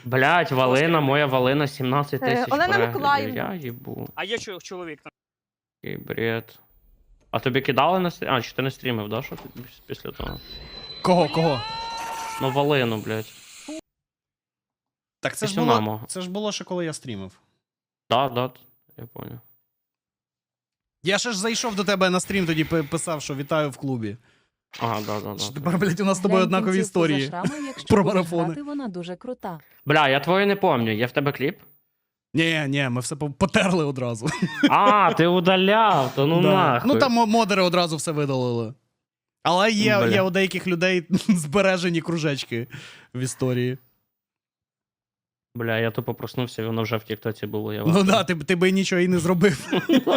Блять, Валина, моя Валина 17 тисяч Олена переглядів. Миколаївна. Я їбу. А є чоловік там. Який бред. А тобі кидали на стрім? А, чи ти не стрімив, да, що ти після того? Кого? Ну, Валину, блять. Так це ж Після було, маму. це ж було ще коли я стрімив. Да, я понял. Я ще ж зайшов до тебе на стрім, тоді писав, що вітаю в клубі. Ага, да. Що тепер, блядь, у нас з тобою однакові історії. Про марафони. Вона дуже крута. Бля, я твою не помню. Є в тебе кліп? Ні, ми все потерли одразу. А, ти удаляв, то ну Да. нахуй. Ну там модери одразу все видалили. Але є Бля. у деяких людей збережені кружечки в історії. Бля, я тупо проснувся, і воно вже в тіктоці було. Я Ну да, ти би нічого і не зробив.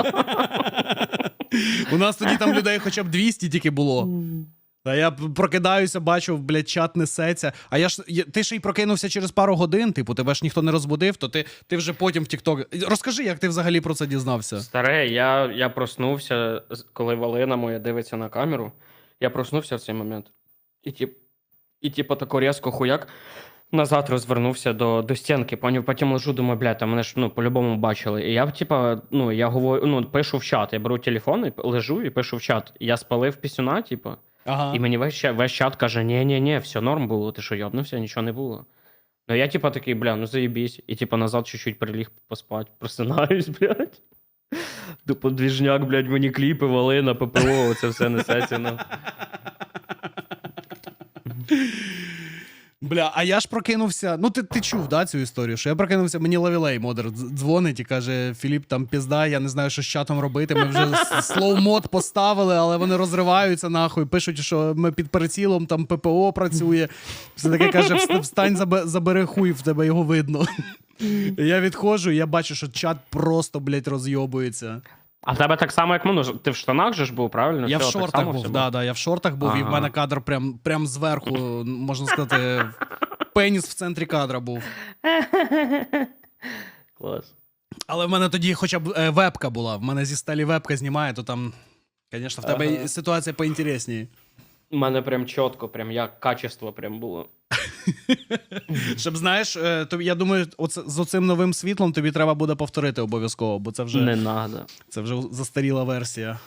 У нас тоді там людей хоча б 200 тільки було. Та я прокидаюся, бачу, блядь, чат несеться. А ти ж і прокинувся через пару годин, типу, тебе ж ніхто не розбудив, то ти вже потім в TikTok. Розкажи, як ти взагалі про це дізнався? Старе, я проснувся, коли Валина моя дивиться на камеру. Я проснувся в цей момент. І типу тако різко хуяк назад розвернувся до стінки. Потім лежу, думаю, блядь, там мене ж по-любому бачили. І я, типа, я говорю, пишу в чат. Я беру телефон, і лежу і пишу в чат. Я спалив пісюна, типу. Ага. І мені весь чат каже, ні, все норм було, ти що, йобнувся, нічого не було. Ну я типа такий, бля, ну заєбісь. І типа назад чуть-чуть приліг поспать, просинаюсь, блядь. Тупо двіжняк, блядь, мені кліпи, Валина, ППО, оце все несеться, ну. Бля, а я ж прокинувся. Ну, ти чув, да, цю історію? Що я прокинувся, мені Лавілей модер дзвонить і каже: Філіп, там пізда, я не знаю, що з чатом робити. Ми вже слоу-мод поставили, але вони розриваються нахуй. Пишуть, що ми під прицілом, там ППО працює. Все таке каже: встань, забери хуй, в тебе його видно. Я відходжу, і я бачу, що чат просто, блядь, розйобується. А в тебе так само, як ну, ти в штанах же ж був, правильно? Я Все, в так шортах само був, все да, я в шортах був, і в мене кадр прям зверху, можна сказати, пеніс в центрі кадра був. Клас. Але в мене тоді хоча б вебка була, в мене зі сталі вебка знімає, то там, звісно, в тебе ситуація поінтересніше. У мене прям чітко, прям як качество прям було. Щоб, знаєш, я думаю, з оцим новим світлом тобі треба буде повторити обов'язково, бо це вже Не надо. застаріла версія.